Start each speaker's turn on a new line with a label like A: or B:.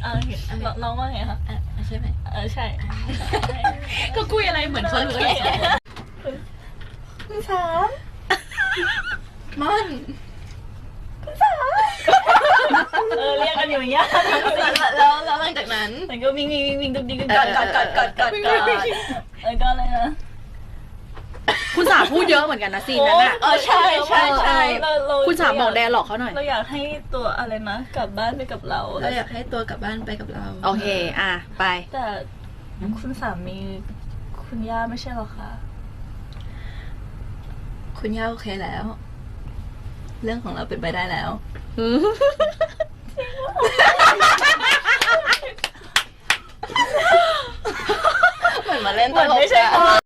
A: น้องว่าไงคะ
B: ใช่ไหม
A: ใช่
B: ก็คุยอะไรเหมือนเขารู้เลย
A: คุณสาม
B: มัน
A: เรียกกันอยู่อย่างเงี้ย
B: แล้วหลังจากนั้น
A: มันก็วิ่งดุ๊กดิ๊กกอดก็อะไรนะ
C: คุณสาพูดเยอะเหมือนกันนะซีนนั้นอ่ะ
B: ใช่
C: คุณสาบอกแดร์หลอกเขาหน่อย
A: เราอยากให้ตัวอะไรนะกลับบ้านไปกับเรา
B: เราอยากให้ตัวกลับบ้านไปกับเรา
C: โอเคไป
A: แต่คุณสามีคุณย่าไม่ใช่หรอคะ
B: คุณย่าโอเคแล้ว เรื่องของเราเป็นไปได้แล้วเหมือนมาเล่นตลก